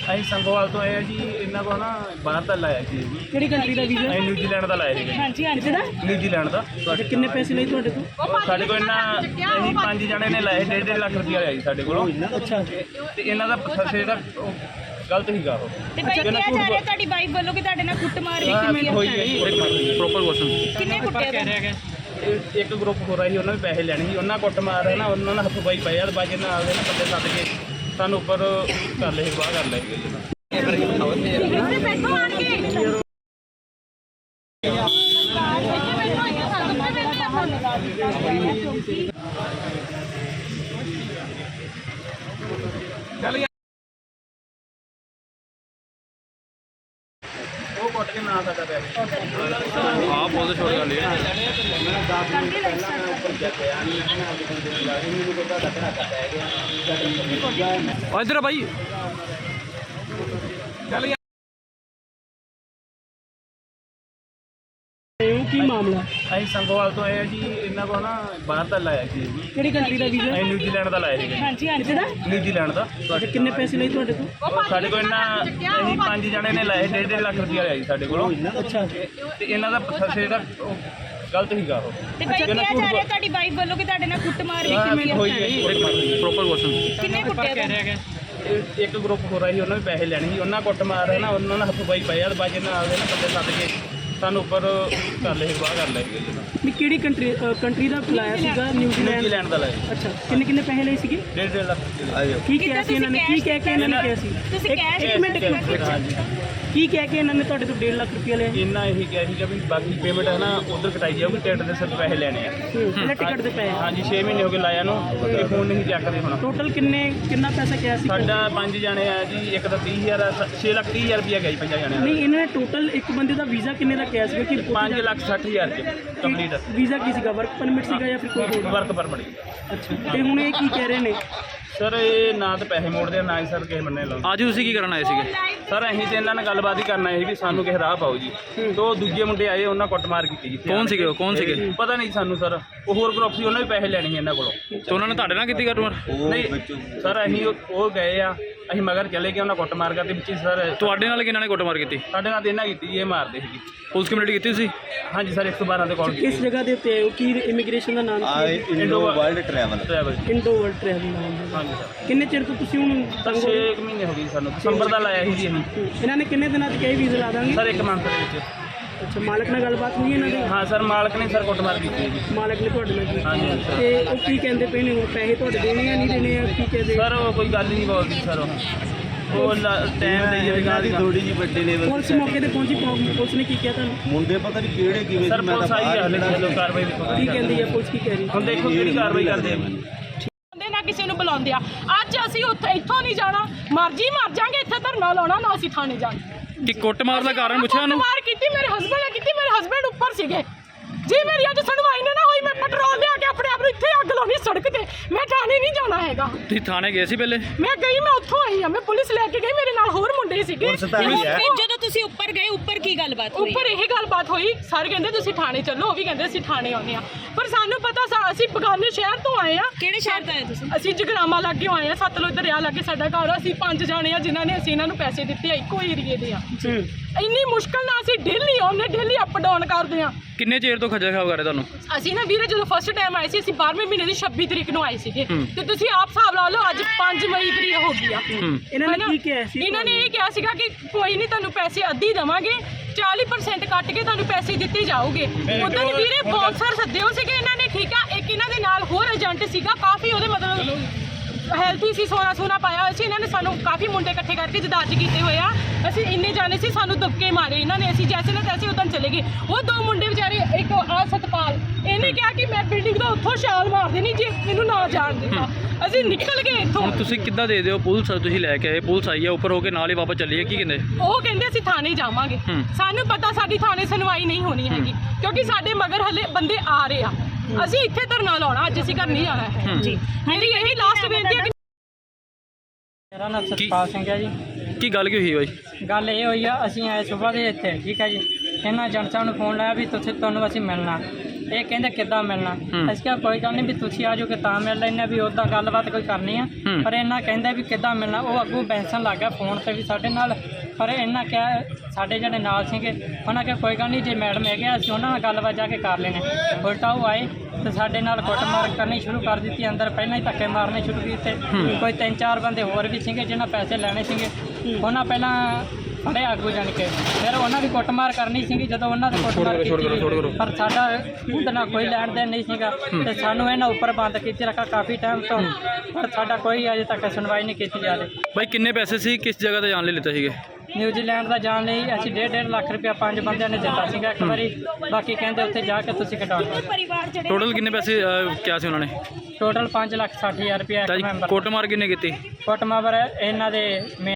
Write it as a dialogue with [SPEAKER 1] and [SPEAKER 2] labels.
[SPEAKER 1] ਅਸੀਂ ਸੰਗੋਵਾਲ ਤੋਂ ਆਏ ਆ ਜੀ। ਇਹਨਾਂ ਕੋਲ ਨਾ ਬਾਹਰ ਦਾ ਲਾਇਆ ਸੀ ਜੀ।
[SPEAKER 2] ਕਿਹੜੀ ਕੰਟਰੀ ਦਾ ਵੀਜ਼ਾ?
[SPEAKER 1] ਅਸੀਂ ਨਿਊਜ਼ੀਲੈਂਡ ਦਾ ਲਾਇਆ ਸੀਗਾ।
[SPEAKER 2] ਹਾਂਜੀ ਹਾਂਜੀ ਦਾ
[SPEAKER 1] ਨਿਊਜ਼ੀਲੈਂਡ ਦਾ।
[SPEAKER 2] ਤੁਹਾਡੇ ਕਿੰਨੇ ਪੈਸੇ ਲਏ ਤੁਹਾਡੇ ਤੋਂ?
[SPEAKER 1] ਸਾਡੇ ਕੋਲ ਇਹਨਾਂ ਅਸੀਂ 5 ਜਣੇ ਨੇ ਲਾਏ, 1.5 ਲੱਖ ਰੁਪਇਆ ਲਿਆ ਜੀ ਸਾਡੇ ਕੋਲੋਂ।
[SPEAKER 2] ਅੱਛਾ
[SPEAKER 1] ਤੇ ਇਹਨਾਂ ਦਾ ਫਸੇ ਦਾ ਗਲਤ ਸੀਗਾ ਉਹ।
[SPEAKER 3] ਤੇ ਭਾਈ ਕਿਹਾ ਜਾ ਰਿਹਾ ਤੁਹਾਡੀ ਵਾਈਫ ਵੱਲੋਂ ਕਿ ਤੁਹਾਡੇ ਨਾਲ ਕੁੱਟਮਾਰ ਵੀ ਕਿਵੇਂ
[SPEAKER 1] ਹੋਈ ਹੈ ਜੀ। Proper question.
[SPEAKER 3] ਕਿੰਨੇ ਕੁੱਟਿਆ ਤੁਹਾਨੂੰ?
[SPEAKER 1] ਇੱਕ ਗਰੁੱਪ ਹੋ ਰਿਹਾ ਸੀ, ਉਹਨਾਂ ਵੀ ਪੈਸੇ ਲੈਣੇ ਸੀ। ਉਹਨਾਂ ਕੁੱਟ ਮਾਰ ਹੈ ਨਾ, ਉਹਨਾਂ ਨਾਲ ਹੱਥੋਂ ਪਾਈ ਪਏ ਆ। ਬਾਜੀ ਨਾਲ ਆਵੇ ਨਾ ਬੰਦੇ ਸੱਦ ਕੇ ਸਾਨੂੰ ਉੱਪਰ ਕਰ ਲਏ, ਬਾਹਰ ਕਰ ਲਏ ਜੀ।
[SPEAKER 3] ਇੱਥੇ ਬੈਠੋ ਆਣ ਕੇ।
[SPEAKER 1] ਉਹ ਕੁੱਟ ਕੇ ਨਾ ਸਕਦਾ ਪਿਆ। ਆਹ ਬਹੁਤ ਛੋਟੀ ਗੱਲ ਹੈ। ਮੈਂ 10 ਮਿੰਟ ਪਹਿਲਾਂ ਮੈਂ ਉੱਪਰ ਗਿਆ ਨਹੀਂ, ਮੈਂ ਆਪਣੇ ਬੰਦੇ ਨੂੰ ਲਾ ਕੇ ਮੈਨੂੰ ਕੋਈ ਤੁਹਾਡਾ ਧੜਾਕਾ ਪੈ ਗਿਆ।
[SPEAKER 4] ਇੱਧਰ ਬਾਈ
[SPEAKER 2] ਕੀ ਮਾਮਲਾ?
[SPEAKER 1] ਅਸੀਂ ਸੰਗੋਵਾਲ ਤੋਂ ਆਏ ਆ ਜੀ। ਇਹਨਾਂ ਕੋਲ ਨਾ ਬਾਹਰ ਦਾ ਲਾਇਆ ਸੀ ਜੀ।
[SPEAKER 2] ਕਿਹੜੀ ਕੰਟਰੀ ਦਾ ਵੀਜ਼ਾ?
[SPEAKER 1] ਅਸੀਂ ਨਿਊਜ਼ੀਲੈਂਡ ਦਾ ਲਾਇਆ ਸੀਗਾ।
[SPEAKER 3] ਹਾਂਜੀ ਹਾਂਜੀ
[SPEAKER 2] ਦਾ
[SPEAKER 1] ਨਿਊਜ਼ੀਲੈਂਡ ਦਾ।
[SPEAKER 2] ਤੁਹਾਡੇ ਕਿੰਨੇ ਪੈਸੇ ਲਏ ਤੁਹਾਡੇ ਤੋਂ?
[SPEAKER 1] ਸਾਡੇ ਕੋਲ ਇਹਨਾਂ ਅਸੀਂ 5 ਜਣੇ ਨੇ ਲਾਏ, 1.5 ਲੱਖ ਰੁਪਇਆ ਲਿਆ ਜੀ ਸਾਡੇ ਕੋਲੋਂ।
[SPEAKER 2] ਅੱਛਾ
[SPEAKER 1] ਤੇ ਇਹਨਾਂ ਦਾ ਫਸੇ ਦਾ ਗਲਤ ਸੀਗਾ ਉਹ।
[SPEAKER 3] ਤੇ ਭਾਈ ਕਿਹਾ ਜਾ ਰਿਹਾ ਤੁਹਾਡੀ ਵਾਈਫ ਵੱਲੋਂ ਕਿ ਤੁਹਾਡੇ ਨਾਲ ਕੁੱਟਮਾਰ ਵੀ ਕਿਵੇਂ
[SPEAKER 1] ਹੋਈ ਹੈ ਜੀ। Proper question.
[SPEAKER 3] ਕਿੰਨੇ ਕੁੱਟਿਆ ਤੁਹਾਨੂੰ?
[SPEAKER 1] ਇੱਕ ਗਰੁੱਪ ਹੋ ਰਿਹਾ ਸੀ, ਉਹਨਾਂ ਵੀ ਪੈਸੇ ਲੈਣੇ ਸੀ। ਉਹਨਾਂ ਕੁੱਟ ਮਾਰ ਹੈ ਨਾ, ਉਹਨਾਂ ਨਾਲ ਹੱਥੋਂ ਪਾਈ ਪਏ ਆ। ਬਾਜੀ ਨਾਲ ਆਵੇ ਨਾ ਬੰਦੇ ਸੱਦ ਕੇ ਸਾਨੂੰ ਉੱਪਰ ਕਰ ਲਏ, ਬਾਹਰ ਕਰ ਲਏ ਜੀ।
[SPEAKER 2] ਵੀ ਕਿਹੜੀ ਕੰਟਰੀ ਦਾ ਲਾਇਆ ਸੀਗਾ?
[SPEAKER 1] ਨਿਊਜ਼ੀਲੈਂਡ ਦਾ ਲਾਇਆ।
[SPEAKER 2] ਅੱਛਾ ਕਿੰਨੇ ਪੈਸੇ ਲਏ ਸੀਗੇ?
[SPEAKER 1] 1.5 ਲੱਖ।
[SPEAKER 2] ਕੀ ਕਿਹਾ ਸੀ ਇਹਨਾਂ ਨੇ? ਕੀ ਕਹਿ ਕੇ ਇਹਨਾਂ ਨੇ ਕਿਹਾ ਸੀ?
[SPEAKER 3] ਤੁਸੀਂ ਕੈਸ਼
[SPEAKER 2] ਇੱਕ ਮਿੰਟ
[SPEAKER 1] ਹਾਂਜੀ।
[SPEAKER 2] ਕੀ ਕਹਿ ਕੇ ਇਹਨਾਂ ਨੇ ਤੁਹਾਡੇ ਤੋਂ 1.5 ਲੱਖ ਰੁਪਇਆ ਲਿਆ?
[SPEAKER 1] ਇੰਨਾ ਇਹੀ ਕਿਹਾ ਸੀਗਾ ਵੀ ਬਾਕੀ ਪੇਮੈਂਟ ਹੈ ਨਾ ਉਧਰ ਕਟਾਈ ਜਾਊਗੀ, ਟਿਕਟ ਦੇ ਸਿਰ ਪੈਸੇ ਲੈਣੇ ਆ।
[SPEAKER 2] ਇਹਨਾਂ ਟਿਕਟ ਦੇ ਪੈਸੇ
[SPEAKER 1] ਹਾਂਜੀ 6 ਮਹੀਨੇ ਹੋ ਗਏ ਲਾਇਆ ਨੂੰ, ਤੇ ਫੋਨ ਨਹੀਂ ਚੱਕਦੇ ਹੁਣ।
[SPEAKER 2] ਟੋਟਲ ਕਿੰਨਾ ਪੈਸਾ ਕਿਹਾ ਸੀ?
[SPEAKER 1] ਸਾਡਾ 5 ਜਣੇ ਆ ਜੀ। ਇੱਕ ਤਾਂ 30,000 ਆ, 6,30,000 ਰੁਪਇਆ ਗਿਆ ਜੀ 5 ਜਣਿਆਂ
[SPEAKER 2] ਨਹੀਂ
[SPEAKER 1] ਦਾ।
[SPEAKER 2] ਇਹਨਾਂ ਨੇ ਟੋਟਲ ਇੱਕ ਬੰਦੇ ਦਾ ਵੀਜ਼ਾ ਕਿੰਨੇ ਦਾ ਕਿਹਾ ਸੀਗਾ? ਕਿ
[SPEAKER 1] 5,60,000 ਚ ਕੰਪਲੀਟ।
[SPEAKER 2] ਵੀਜ਼ਾ ਕੀ ਸੀਗਾ? ਵਰਕ ਪਰਮਿਟ ਸੀਗਾ ਜਾਂ ਫਿਰ ਕੋਈ ਹੋਰ?
[SPEAKER 1] Work permit.
[SPEAKER 2] ਅੱਛਾ ਤੇ ਹੁਣ ਇਹ ਕੀ ਕਹਿ ਰਹੇ ਨੇ?
[SPEAKER 1] ਸਰ ਇਹ ਨਾ ਤਾਂ ਪੈਸੇ ਮੋੜਦੇ ਆ, ਨਾ ਹੀ ਸਰ ਕਿਸੇ ਬੰਨੇ ਲਾਉਂਦੇ।
[SPEAKER 4] ਅੱਜ ਤੁਸੀਂ ਕੀ ਕਰਨ ਆਏ ਸੀਗੇ?
[SPEAKER 1] ਸਰ ਅਸੀਂ ਤੇ ਇਹਨਾਂ ਨਾਲ ਗੱਲਬਾਤ ਹੀ ਕਰਨਾ ਹੈ ਵੀ ਸਾਨੂੰ ਕਿਸੇ ਰਾਹ ਪਾਓ ਜੀ। ਤੋਂ ਦੂਜੇ ਮੁੰਡੇ ਆਏ, ਉਹਨਾਂ ਕੁੱਟਮਾਰ ਕੀਤੀ ਜੀ।
[SPEAKER 4] ਕੌਣ ਸੀਗੇ ਉਹ? ਕੌਣ ਸੀਗੇ?
[SPEAKER 1] ਪਤਾ ਨਹੀਂ ਸਾਨੂੰ ਸਰ। ਉਹ ਹੋਰ ਗਰੁੱਪ ਸੀ, ਉਹਨਾਂ ਵੀ ਪੈਸੇ ਲੈਣੇ ਸੀ ਇਹਨਾਂ ਕੋਲੋਂ।
[SPEAKER 4] ਤੇ ਉਹਨਾਂ ਨੇ ਤੁਹਾਡੇ ਨਾਲ ਕੀਤੀ ਕੁੱਟਮਾਰ?
[SPEAKER 1] ਨਹੀਂ ਸਰ ਅਸੀਂ ਉਹ ਗਏ ਆ, ਅਸੀਂ ਮਗਰ ਚਲੇ ਗਏ। ਉਹਨਾਂ ਕੁੱਟਮਾਰ ਕਰਦੇ ਵਿੱਚ ਸਰ।
[SPEAKER 4] ਤੁਹਾਡੇ ਨਾਲ ਕਿਹਨਾਂ ਨੇ ਕੁੱਟਮਾਰ ਕੀਤੀ?
[SPEAKER 1] ਸਾਡੇ ਨਾਲ ਤਾਂ ਇਹਨਾਂ ਕੀਤੀ ਜੀ, ਇਹ ਮਾਰਦੇ ਸੀ।
[SPEAKER 4] ਪੁਲਿਸ ਕੰਪਲੇਂਟ ਕੀਤੀ ਸੀ?
[SPEAKER 1] ਹਾਂਜੀ ਸਰ 112 ਤੇ ਕਾਲ
[SPEAKER 2] ਕਿਸ ਜਗ੍ਹਾ ਦੇ ਉੱਤੇ ਆਏ ਹੋ? ਕੀ ਇਮੀਗ੍ਰੇਸ਼ਨ ਦਾ ਨਾਮ ਕੀ ਹੈ?
[SPEAKER 1] Indo World Travel.
[SPEAKER 2] Indo World Travel ਨਾਮ ਹੈ।
[SPEAKER 1] ਹਾਂਜੀ ਸਰ।
[SPEAKER 2] ਕਿੰਨੇ ਚਿਰ ਤੋਂ ਤੁਸੀਂ ਹੁਣ ਤੰਗ ਹੋ
[SPEAKER 1] 6
[SPEAKER 2] ਰਹੇ?
[SPEAKER 1] ਮਹੀਨੇ ਹੋ ਗਏ ਸਾਨੂੰ। ਦਸੰਬਰ ਦਾ ਲਾਇਆ ਸੀ ਜੀ ਅਸੀਂ।
[SPEAKER 2] ਇਹਨਾਂ ਨੇ ਕਿੰਨੇ ਦਿਨਾਂ 'ਚ ਕਹੀ ਵੀਜ਼ਾ ਲਾ ਦਾਂਗੇ?
[SPEAKER 1] ਸਰ 1 ਮੰਥ ਦੇ ਵਿੱਚ।
[SPEAKER 2] ਅੱਛਾ ਮਾਲਕ ਨਾਲ ਗੱਲਬਾਤ ਹੋਈ ਇਹਨਾਂ ਦੀ?
[SPEAKER 1] ਹਾਂ ਸਰ ਮਾਲਕ ਨੇ ਸਰ ਕੁੱਟਮਾਰ ਕੀਤੀ ਹੈ ਜੀ।
[SPEAKER 2] ਮਾਲਕ ਨੇ ਤੁਹਾਡੇ ਨਾਲ ਕੀਤੀ?
[SPEAKER 1] ਹਾਂਜੀ ਸਰ।
[SPEAKER 2] ਤੇ ਉਹ ਕੀ ਕਹਿੰਦੇ ਪਏ ਨੇ? ਹੁਣ ਪੈਸੇ ਤੁਹਾਡੇ ਦੇਣੇ ਆ ਨਹੀਂ ਦੇਣੇ ਆ? ਕੀ ਕਹਿੰਦੇ?
[SPEAKER 1] ਸਰ ਉਹ ਕੋਈ ਗੱਲ ਹੀ ਨਹੀਂ ਬੋਲਦੀ ਸਰ। ਉਹ ਟਾਈਮ ਦੇਈ ਜਾਵੇ ਗਾੜੀ
[SPEAKER 5] ਥੋੜੀ ਜੀ ਵੱਡੇ ਲੈਵਲ
[SPEAKER 2] ਪੁਲਿਸ ਮੌਕੇ ਤੇ ਪਹੁੰਚੀ? ਪੁਲਿਸ ਨੇ ਕੀ ਕਿਹਾ ਤੁਹਾਨੂੰ?
[SPEAKER 5] ਮੁੰਡੇ ਪਤਾ ਨਹੀਂ ਕਿਹੜੇ ਕਿਵੇਂ
[SPEAKER 1] ਸਰ ਪੁਲਿਸ ਆਈ ਹੈ, ਹਲੇ ਚਲੋ ਕਾਰਵਾਈ ਦੇਖੋ
[SPEAKER 2] ਕੀ ਕਹਿੰਦੀ ਹੈ ਪੁਲਿਸ? ਕੀ ਕਹਿ ਰਹੀ?
[SPEAKER 1] ਹੁਣ ਦੇਖੋ ਕਿਹੜੀ ਕਾਰਵਾਈ ਕਰਦੇ ਆ।
[SPEAKER 6] ਬੰਦੇ ਨਾ ਕਿਸੇ ਨੂੰ ਬੁਲਾਉਂਦੇ ਆ। ਅੱਜ ਅਸੀਂ ਉੱਥੇ ਇੱਥੋਂ ਨਹੀਂ ਜਾਣਾ, ਮਰਜੀ ਮਰ ਜਾਾਂਗੇ। ਇੱਥੇ ਧਰਨਾ ਲਾਉਣਾ ਨਾ, ਅਸੀਂ ਥਾਣੇ ਜਾਣਾ।
[SPEAKER 4] ਕਿ ਕੁੱਟਮਾਰ ਦਾ ਕਾਰਨ ਪੁੱਛਿਆ ਉਹਨੂੰ?
[SPEAKER 6] ਕੁੱਟਮਾਰ ਕੀਤੀ ਮੇਰੇ ਹਸਬੰਡ ਨੇ ਕੀਤੀ। ਮੇਰੇ ਹਸਬੰਡ ਉੱਪਰ ਸੀਗੇ ਜੀ। ਮੇਰੀ ਅੱਜ ਸੁਣਵਾਈ ਨਾ ਹੋਈ। ਮੈਂ ਪੈਟਰੋਲ ਲਿਆ ਕੇ ਆਪਣੇ ਆਪ ਨੂੰ ਇੱਥੇ ਅੱਗ ਲਾਉਣੀ ਸੜਕ ਤੇ। ਮੈਂ ਥਾਣੇ ਨਹੀਂ ਜਾਣਾ ਹੈਗਾ।
[SPEAKER 4] ਤੁਸੀਂ ਥਾਣੇ ਗਏ ਸੀ ਪਹਿਲੇ?
[SPEAKER 6] ਮੈਂ ਗਈ, ਮੈਂ ਉੱਥੋਂ ਆਈ ਆ। ਮੈਂ ਪੁਲਿਸ ਲੈ ਕੇ ਗਈ, ਮੇਰੇ ਨਾਲ ਹੋਰ ਮੁੰਡੇ ਸੀਗੇ।
[SPEAKER 3] ਜਦੋਂ ਤੁਸੀਂ ਉੱਪਰ ਗਏ, ਉੱਪਰ ਕੀ ਗੱਲਬਾਤ ਹੋਈ?
[SPEAKER 6] ਉੱਪਰ ਇਹ ਗੱਲਬਾਤ ਹੋਈ। ਸਰ ਕਹਿੰਦੇ ਤੁਸੀਂ ਥਾਣੇ ਚੱਲੋ, ਉਹ ਵੀ ਕਹਿੰਦੇ ਅਸੀਂ ਥਾਣੇ ਆਉਂਦੇ ਆ। ਪਰ ਸਾਨੂੰ ਪਤਾ ਅਸੀਂ ਬਗਾਨੇ ਸ਼ਹਿਰ ਤੋਂ ਆਏ ਆ।
[SPEAKER 3] ਕਿਹੜੇ ਸ਼ਹਿਰ ਤੋਂ ਆਏ ਤੁਸੀਂ?
[SPEAKER 6] ਅਸੀਂ ਜਗਰਾਮਾ ਲਾਗੇ ਆਏ ਆ। ਸਤਲੁਜ ਦਰਿਆ ਲਾਗੇ ਸਾਡਾ ਘਰ ਆ। ਅਸੀਂ 5 ਜਾਣੇ ਆ ਜਿਨ੍ਹਾਂ ਨੇ ਅਸੀਂ ਇਹਨਾਂ ਨੂੰ ਪੈਸੇ ਦਿੱਤੇ ਆ। ਇੱਕੋ ਏਰੀਏ ਦੇ ਆ। ਇੰਨੀ ਮੁਸ਼ਕਲ ਨਾਲ ਅਸੀਂ ਡੇਲੀ ਆਉਂਦੇ, ਡੇਲੀ ਅਪ ਡਾਊਨ ਕਰਦੇ ਆ।
[SPEAKER 4] ਕਿੰਨੇ ਚਿਰ ਤੋਂ ਖੱਜਲ ਖਰਾਬ ਕਰ ਰਹੇ ਤੁਹਾਨੂੰ?
[SPEAKER 6] ਅਸੀਂ ਨਾ ਵੀਰੇ ਜਦੋਂ ਫਸਟ ਟਾਈਮ ਆਏ ਸੀ, ਅਸੀਂ 12ਵੇਂ ਮਹੀਨੇ ਦੀ 26 ਤਰੀਕ ਨੂੰ ਆਏ ਸੀਗੇ। ਤੇ ਤੁਸੀਂ ਆਪ ਹਿਸਾਬ ਲਾ ਲਓ, ਅੱਜ 5 ਮਈ ਤਰੀਕ ਹੋ ਗਈ ਆ।
[SPEAKER 2] ਇਹਨਾਂ ਨੇ ਕੀ ਕਿਹਾ ਸੀ?
[SPEAKER 6] ਇਹਨਾਂ ਨੇ ਇਹ ਕਿਹਾ ਸੀਗਾ ਕਿ ਕੋਈ ਨਹੀਂ, ਤੁਹਾਨੂੰ ਪੈਸੇ ਅੱਧੀ ਦੇਵਾਂਗੇ, 40% ਕੱਟ ਕੇ ਤੁਹਾਨੂੰ ਪੈਸੇ ਦਿੱਤੇ ਜਾਓਗੇ। ਉਦੋਂ ਵੀਰੇ ਬੌਂਸਰ ਸੱਦੇ ਹੋ ਸੀਗੇ ਇਹਨਾਂ ਨੇ, ਠੀਕ ਆ। ਇੱਕ ਇਹਨਾਂ ਦੇ ਨਾਲ ਹੋਰ ਏਜੰਟ ਸੀਗਾ, ਕਾਫੀ ਉਹਦੇ ਮਤਲਬ ਹੈਲਥੀ ਸੀ, ਸੋਨਾ ਪਾਇਆ ਹੋਇਆ ਸੀ। ਇਹਨਾਂ ਨੇ ਸਾਨੂੰ ਕਾਫੀ ਮੁੰਡੇ ਇਕੱਠੇ ਕਰਕੇ ਜਦਾਜ ਕੀਤੇ ਹੋਏ ਆ। ਅਸੀਂ ਇੰਨੇ ਜਾਣੇ ਸੀ, ਸਾਨੂੰ ਦਬਕੇ ਮਾਰੇ ਇਹਨਾਂ ਨੇ। ਅਸੀਂ ਜੈਸੇ ਨਾ ਤੈਸੇ ਉਦੋਂ ਚਲੇ ਗਏ। ਉਹ 2 ਮੁੰਡੇ ਵਿਚਾਰੇ, ਇੱਕ ਆ ਸਤਪਾਲ, ਇਹਨੇ ਕਿਹਾ ਕਿ ਮੈਂ ਬਿਲਡਿੰਗ ਦਾ ਉੱਥੋਂ ਛਾਲ ਮਾਰ ਦੇਣੀ ਜੇ ਮੈਨੂੰ ਨਾ ਜਾਣ ਦਿੱਤਾ। ਅਸੀਂ ਨਿਕਲ ਗਏ ਇੱਥੋਂ।
[SPEAKER 4] ਹੁਣ ਤੁਸੀਂ ਕਿੱਦਾਂ ਦੇ ਦਿਓ? ਪੁਲਿਸ ਤੁਸੀਂ ਲੈ ਕੇ ਆਏ, ਪੁਲਿਸ ਆਈ ਹੈ ਉੱਪਰ ਹੋ ਕੇ ਨਾਲ ਹੀ ਵਾਪਸ ਚੱਲੀ ਹੈ, ਕੀ ਕਹਿੰਦੇ?
[SPEAKER 6] ਉਹ ਕਹਿੰਦੇ ਅਸੀਂ ਥਾਣੇ ਜਾਵਾਂਗੇ। ਸਾਨੂੰ ਪਤਾ ਸਾਡੀ ਥਾਣੇ ਸੁਣਵਾਈ ਨਹੀਂ ਹੋਣੀ ਹੈਗੀ, ਕਿਉਂਕਿ ਸਾਡੇ ਮਗਰ ਹਲੇ ਬੰਦੇ ਆ ਰਹੇ ਆ। ਅਸੀਂ ਇੱਥੇ ਧਰਨਾ ਲਾਉਣਾ, ਅੱਜ ਅਸੀਂ ਘਰ ਨਹੀਂ ਜਾਣਾ ਹੈ ਜੀ। ਮੇਰੀ ਇਹੀ ਲਾਸਟ ਬੇਨਤੀ ਹੈ ਕਿ
[SPEAKER 7] ਮੇਰਾ ਨਾਮ ਸਤਪਾਲ ਸਿੰਘ ਹੈ ਜੀ।
[SPEAKER 4] ਕੀ ਗੱਲ ਕੀ ਹੋਈ ਬਾਈ?
[SPEAKER 7] ਗੱਲ ਇਹ ਹੋਈ ਆ, ਅਸੀਂ ਆਏ ਸਵੇਰ ਦੇ ਇੱਥੇ, ਠੀਕ ਹੈ ਜੀ। ਇਹਨਾਂ ਏਜੰਟ ਸਾਹਿਬ ਨੂੰ ਫੋਨ ਲਾਇਆ ਵੀ ਤੁਹਾਨੂੰ ਅਸੀਂ ਮਿਲਣਾ। ਇਹ ਕਹਿੰਦੇ ਕਿੱਦਾਂ ਮਿਲਣਾ। ਅਸੀਂ ਕਿਹਾ ਕੋਈ ਗੱਲ ਨਹੀਂ ਵੀ ਤੁਸੀਂ ਆ ਜਾਓਗੇ ਤਾਂ ਮਿਲ ਲੈਣੇ ਵੀ ਉੱਦਾਂ ਗੱਲਬਾਤ ਕੋਈ ਕਰਨੀ ਆ। ਪਰ ਇਹਨਾਂ ਕਹਿੰਦੇ ਵੀ ਕਿੱਦਾਂ ਮਿਲਣਾ। ਉਹ ਅੱਗੋਂ ਬੈਂਸਣ ਲੱਗ ਗਿਆ ਫੋਨ ਤੇ ਵੀ ਸਾਡੇ ਨਾਲ। ਪਰ ਇਹਨਾਂ ਕਿਹਾ ਸਾਡੇ ਜਿਹੜੇ ਨਾਲ ਸੀਗੇ ਉਹਨਾਂ ਕਿਹਾ ਕੋਈ ਗੱਲ ਨਹੀਂ ਜੇ ਮੈਡਮ ਹੈਗੇ ਆ ਅਸੀਂ ਉਹਨਾਂ ਨਾਲ ਗੱਲਬਾਤ ਜਾ ਕੇ ਕਰ ਲੈਣੇ। ਉਲਟਾ ਉਹ ਆਏ ਤੇ ਸਾਡੇ ਨਾਲ ਕੁੱਟਮਾਰ ਕਰਨੀ ਸ਼ੁਰੂ ਕਰ ਦਿੱਤੀ। ਅੰਦਰ ਪਹਿਲਾਂ ਹੀ ਧੱਕੇ ਮਾਰਨੇ ਸ਼ੁਰੂ ਕੀਤੇ। ਕੋਈ 3-4 ਬੰਦੇ ਹੋਰ ਵੀ ਸੀਗੇ ਜਿਹਨਾਂ ਪੈਸੇ ਲੈਣੇ ਸੀਗੇ। ਉਹਨਾਂ ਪਹਿਲਾਂ ਫੜੇ ਆਗੂ ਜਾਣ ਕੇ ਫਿਰ ਉਹਨਾਂ ਦੀ ਕੁੱਟਮਾਰ ਕਰਨੀ ਸੀਗੀ। ਜਦੋਂ ਉਹਨਾਂ ਦੀ ਕੁੱਟਮਾਰ ਕੀਤੀ ਪਰ ਸਾਡਾ ਉਹਦੇ ਨਾਲ ਕੋਈ ਲੈਣ ਦੇਣ ਨਹੀਂ ਸੀਗਾ ਤੇ ਸਾਨੂੰ ਇਹਨਾਂ ਉੱਪਰ ਬੰਦ ਕੀਤੀ ਰੱਖਾ ਕਾਫੀ ਟਾਈਮ ਤੋਂ। ਪਰ ਸਾਡਾ ਕੋਈ ਅਜੇ ਤੱਕ ਸੁਣਵਾਈ ਨਹੀਂ ਕੀਤੀ ਜਾ ਰਹੀ।
[SPEAKER 4] ਬਾਈ ਕਿੰਨੇ ਪੈਸੇ ਸੀ, ਕਿਸ ਜਗ੍ਹਾ ਤੇ ਜਾਣ ਲਈ ਲਿੱਤੇ ਸੀਗੇ?
[SPEAKER 7] ਨਿਊਜ਼ੀਲੈਂਡ ਦਾ ਜਾਣ ਲਈ ਅਸੀਂ 1.5 ਲੱਖ ਰੁਪਇਆ 5 ਬੰਦਿਆਂ ਨੇ ਦਿੱਤਾ ਸੀਗਾ ਇੱਕ ਵਾਰੀ। ਬਾਕੀ ਕਹਿੰਦੇ ਉੱਥੇ ਜਾ ਕੇ ਤੁਸੀਂ ਕਢਾ ਲਓ।
[SPEAKER 3] ਪਰਿਵਾਰ ਜਿਹੜੇ
[SPEAKER 4] ਟੋਟਲ ਕਿੰਨੇ ਪੈਸੇ ਕਿਹਾ ਸੀ ਉਹਨਾਂ ਨੇ?
[SPEAKER 7] ਟੋਟਲ 5,60,000 ਰੁਪਇਆ
[SPEAKER 4] ਤਾਂ
[SPEAKER 7] ਇੱਕ
[SPEAKER 4] ਜੀ
[SPEAKER 7] ਮੈਂਬਰ।
[SPEAKER 4] ਕੁੱਟਮਾਰ ਕਿੰਨੇ ਕੀਤੀ?
[SPEAKER 7] ਕੁੱਟਮਾਰ ਇਹਨਾਂ ਦੇ